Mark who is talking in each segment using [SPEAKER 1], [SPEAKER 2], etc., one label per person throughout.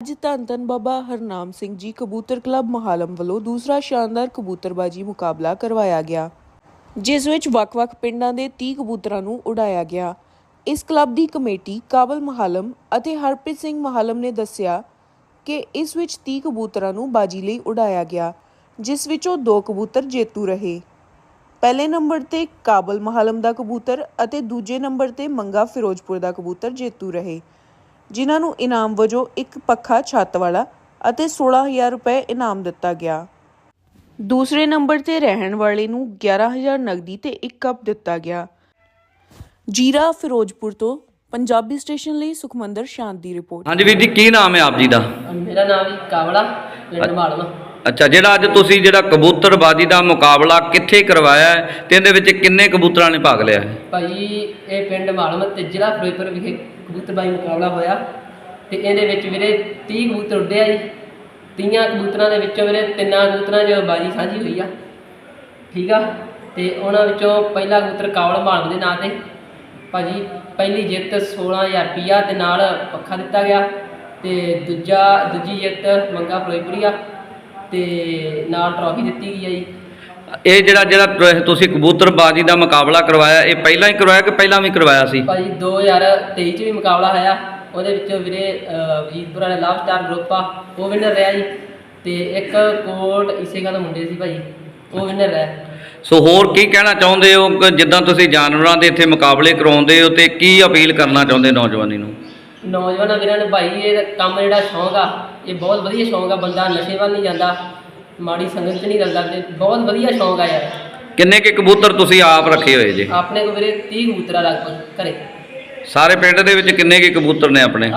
[SPEAKER 1] ਅੱਜ ਧੰਨ ਧੰਨ ਬਾਬਾ ਹਰਨਾਮ ਸਿੰਘ ਜੀ ਕਬੂਤਰ ਕਲੱਬ ਮਹਾਲਮ ਵੱਲੋਂ ਦੂਸਰਾ ਸ਼ਾਨਦਾਰ ਕਬੂਤਰਬਾਜੀ ਮੁਕਾਬਲਾ ਕਰਵਾਇਆ ਗਿਆ, ਜਿਸ ਵਿੱਚ ਵੱਖ-ਵੱਖ ਪਿੰਡਾਂ ਦੇ 30 ਕਬੂਤਰਾਂ ਨੂੰ ਉਡਾਇਆ ਗਿਆ। ਇਸ ਕਲੱਬ ਦੀ ਕਮੇਟੀ ਕਾਬਲ ਮਹਾਲਮ ਅਤੇ ਹਰਪ੍ਰੀਤ ਸਿੰਘ ਮਹਾਲਮ ਨੇ ਦੱਸਿਆ ਕਿ ਇਸ ਵਿੱਚ 30 ਕਬੂਤਰਾਂ ਨੂੰ ਬਾਜੀ ਲਈ ਉਡਾਇਆ ਗਿਆ, ਜਿਸ ਵਿੱਚੋਂ 2 ਕਬੂਤਰ ਜੇਤੂ ਰਹੇ। ਪਹਿਲੇ ਨੰਬਰ ਤੇ ਕਾਬਲ ਮਹਾਲਮ ਦਾ ਕਬੂਤਰ ਅਤੇ ਦੂਜੇ ਨੰਬਰ ਤੇ ਮੰਗਾ ਫਿਰੋਜ਼ਪੁਰ ਦਾ ਕਬੂਤਰ ਜੇਤੂ ਰਹੇ, ਜਿਨ੍ਹਾਂ ਨੂੰ ਇਨਾਮ ਵਜੋਂ ਇੱਕ ਪੱਖਾ ਛੱਤ ਵਾਲਾ ਅਤੇ 16,000 ਰੁਪਏ ਇਨਾਮ ਦਿੱਤਾ ਗਿਆ। ਦੂਸਰੇ ਨੰਬਰ ਤੇ ਰਹਿਣ ਵਾਲੇ ਨੂੰ 11,000 ਨਗਦੀ ਤੇ 1 ਕੱਪ ਦਿੱਤਾ ਗਿਆ। ਜੀਰਾ ਫਿਰੋਜ਼ਪੁਰ ਤੋਂ ਪੰਜਾਬੀ ਸਟੇਸ਼ਨ ਲਈ ਸੁਖਮੰਦਰ ਸ਼ਾਂਤ ਦੀ ਰਿਪੋਰਟ।
[SPEAKER 2] ਹਾਂਜੀ ਵੀਰ ਜੀ, ਕੀ ਨਾਮ ਹੈ ਆਪ ਜੀ ਦਾ?
[SPEAKER 3] ਮੇਰਾ ਨਾਮ ਜੀ ਕਾਬਲਾ, ਪਿੰਡ ਮਾਲਵਾ।
[SPEAKER 2] ਅੱਛਾ, ਜਿਹੜਾ ਅੱਜ ਤੁਸੀਂ ਕਬੂਤਰਬਾਜੀ ਦਾ ਮੁਕਾਬਲਾ ਕਿੱਥੇ ਕਰਵਾਇਆ ਹੈ ਤੇ ਇਹਦੇ ਵਿੱਚ ਕਿੰਨੇ ਕਬੂਤਰਾਂ ਨੇ ਭਾਗ ਲਿਆ ਹੈ?
[SPEAKER 3] ਭਾਈ ਇਹ ਪਿੰਡ ਮਾਲਵਾ ਤੇ ਜ਼ਿਲ੍ਹਾ ਫਿਰੋਜ਼ਪੁਰ ਵਿਖੇ ਕਬੂਤਰਬਾਜੀ ਮੁਕਾਬਲਾ ਹੋਇਆ ਤੇ ਇਹਦੇ ਵਿੱਚ ਵੀਰੇ 30 ਕਬੂਤਰ ਉੱਡੇ ਆ ਜੀ। 30 ਕਬੂਤਰਾਂ ਦੇ ਵਿੱਚੋਂ ਵੀਰੇ 3 ਕਬੂਤਰਾਂ 'ਚ ਬਾਜੀ ਸਾਂਝੀ ਹੋਈ ਆ, ਠੀਕ ਆ। ਤੇ ਉਹਨਾਂ ਵਿੱਚੋਂ ਪਹਿਲਾ ਕਬੂਤਰ ਕਾਬਲ ਮਾਲਵਾ ਦੇ ਨਾਂ ਤੇ ਭਾਜੀ ਪਹਿਲੀ ਜਿੱਤ 16,000 ਰੁਪਈਆ ਦੇ ਨਾਲ ਪੱਖਾ ਦਿੱਤਾ ਗਿਆ ਤੇ ਦੂਜੀ ਜਿੱਤ ਮੰਗਾ ਫਿਰੋਜ਼ਪੁਰੀਆ ਤੇ ਨਾਲ ਟਰੋਫੀ ਦਿੱਤੀ ਗਈ ਹੈ ਜੀ।
[SPEAKER 2] ਇਹ ਜਿਹੜਾ ਤੁਸੀਂ ਕਬੂਤਰਬਾਜੀ ਦਾ ਮੁਕਾਬਲਾ ਕਰਵਾਇਆ, ਇਹ ਪਹਿਲਾਂ ਹੀ ਕਰਵਾਇਆ ਕਿ ਪਹਿਲਾਂ ਵੀ ਕਰਵਾਇਆ ਸੀ?
[SPEAKER 3] ਭਾਜੀ 2023 'ਚ ਵੀ ਮੁਕਾਬਲਾ ਹੋਇਆ, ਉਹਦੇ ਵਿੱਚੋਂ ਵੀਰੇ ਵਜੀਦਪੁਰ ਵਾਲੇ ਲਵ ਸਟਾਰ ਗਰੁੱਪ ਆ, ਉਹ ਵਿਨਰ ਰਿਹਾ ਜੀ। ਤੇ ਇੱਕ ਕੋਟ ਇਸੇ ਗੱਲ ਮੁੰਡੇ ਸੀ ਭਾਜੀ, ਉਹ ਵਿਨਰ ਰਿਹਾ।
[SPEAKER 2] ਸੋ ਹੋਰ ਕੀ ਕਹਿਣਾ ਚਾਹੁੰਦੇ ਹੋ ਕਿ ਜਿੱਦਾਂ ਤੁਸੀਂ ਜਾਨਵਰਾਂ ਦੇ ਇੱਥੇ ਮੁਕਾਬਲੇ ਕਰਾਉਂਦੇ ਹੋ ਤੇ ਕੀ ਅਪੀਲ ਕਰਨਾ ਚਾਹੁੰਦੇ ਨੌਜਵਾਨੀ ਨੂੰ?
[SPEAKER 3] ਨੌਜਵਾਨਾਂ ਵੀਰਾਂ ਨੂੰ ਭਾਈ ਇਹ ਕੰਮ ਜਿਹੜਾ ਸ਼ੌਂਕ ਆ, ਇਹ ਬਹੁਤ ਵਧੀਆ ਸ਼ੌਂਕ ਆ। ਬੰਦਾ ਨਸ਼ੇ ਵੱਲ ਨਹੀਂ ਜਾਂਦਾ, ਮਾੜੀ ਸੰਗਤ 'ਚ ਨਹੀਂ ਰਲਦਾ, ਤੇ ਬਹੁਤ ਵਧੀਆ ਸ਼ੌਂਕ ਆ ਯਾਰ।
[SPEAKER 2] ਕਿੰਨੇ ਕੁ ਕਬੂਤਰ ਤੁਸੀਂ ਆਪ ਰੱਖੇ ਹੋਏ ਜੇ?
[SPEAKER 3] ਆਪਣੇ ਕੋਲ ਵੀਰੇ 30 ਕਬੂਤਰ ਆ ਲਗਭਗ ਘਰੇ।
[SPEAKER 2] ਸਾਰੇ ਪਿੰਡ ਦੇ ਵਿੱਚ ਕਿੰਨੇ ਕੁ ਕਬੂਤਰ ਨੇ ਆਪਣੇ?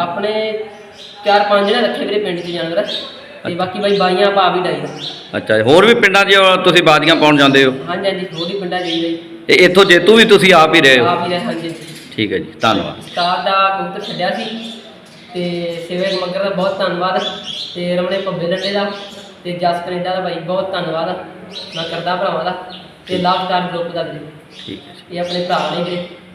[SPEAKER 3] 4-5 ਜਣੇ ਰੱਖੇ ਵੀਰੇ ਪਿੰਡ 'ਚ ਜਾਨਵਰ, ਤੇ ਬਾਕੀ ਬਾਈ ਬਾਈਆਂ ਪਾ ਵੀ ਡਾਈ।
[SPEAKER 2] ਅੱਛਾ, ਹੋਰ ਵੀ ਪਿੰਡਾਂ 'ਚ ਤੁਸੀਂ ਬਾਜ਼ੀਆਂ ਪਾਉਣ ਜਾਂਦੇ ਹੋ?
[SPEAKER 3] ਹਾਂਜੀ ਹਾਂਜੀ, ਹੋਰ ਵੀ ਪਿੰਡਾਂ 'ਚ ਜਾਈਦਾ ਜੀ।
[SPEAKER 2] ਤੇ ਇੱਥੋਂ ਜੇਤੂ ਵੀ ਤੁਸੀਂ ਆਪ ਹੀ ਰਹੇ ਹੋ?
[SPEAKER 3] ਆਪ ਹੀ ਰਹੇ, ਹਾਂਜੀ।
[SPEAKER 2] ਠੀਕ ਹੈ ਜੀ, ਧੰਨਵਾਦ।
[SPEAKER 3] ਉਸਤਾਦ ਦਾ ਕਬੂਤਰ ਛੱਡਿਆ ਸੀ ਤੇ ਸੇਵਕ ਮੱਗਰ ਦਾ ਬਹੁਤ ਧੰਨਵਾਦ, ਤੇ ਰਮਣੇ ਭੱਬੇ ਲੱਡੇ ਦਾ ਤੇ ਜਸ ਕੈਨੇਡਾ ਦਾ ਭਾਈ ਬਹੁਤ ਧੰਨਵਾਦ ਮੈਂ ਕਰਦਾ ਭਰਾਵਾਂ ਦਾ, ਤੇ ਲਵ ਸਟਾਰ ਗਰੁੱਪ ਦਾ ਵੀ।
[SPEAKER 2] ਠੀਕ ਹੈ ਜੀ।
[SPEAKER 3] ਇਹ ਆਪਣੇ ਭਰਾ ਨੇ ਵੀਰੇ।